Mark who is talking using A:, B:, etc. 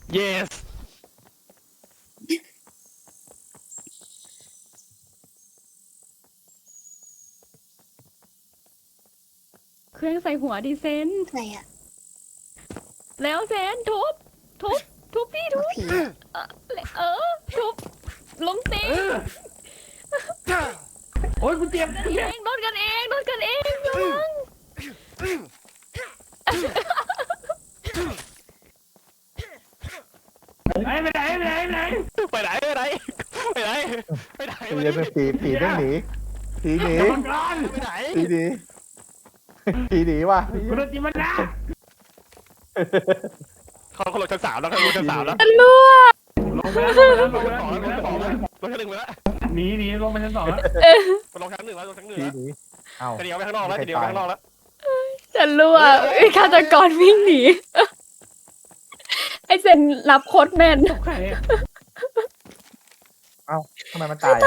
A: yes
B: เครื่องใส่หัวดิเซน
C: ไหนอะ
B: แล้วเซนทุบพี่ทุบ
C: ผี
B: ทุบล้มตี
D: โอ้ยกูเจ็บ
B: เองโดนกันเองระวัง
D: ไปไหน
A: ไปไหนไปไหนไปไหนไปไหน
E: ไอ้เหี้ยเป็นผีต้องหนีผีหนี
D: เดี๋ยวมันก่อน
A: ไปไหน
E: ผีหนีผีหนีว่ะ
D: กูโดนจิมันนะ
A: เขาลงชั้น 3แล้วเขาลงชั้น 3แล้ว
B: รั่ว
D: ลงไปแล้ว
A: ลงชั้น 2แล้วลงชั้น 1ไปแล้ว
D: หนีลงไปชั้น 2แล้ว
A: ลงชั้น 1แล้วลงชั้น 1
E: ผี
A: แล้ว
E: หนีเอ้า
A: จะเดียวไปข้างนอกแล้วจะเดียวไปข้างนอกแล้ว
B: จะรั่วฆาตกรวิ่งหนีไอเซนรับโคตรแมน
D: ใคร
E: เอ้าทำไมมันตาย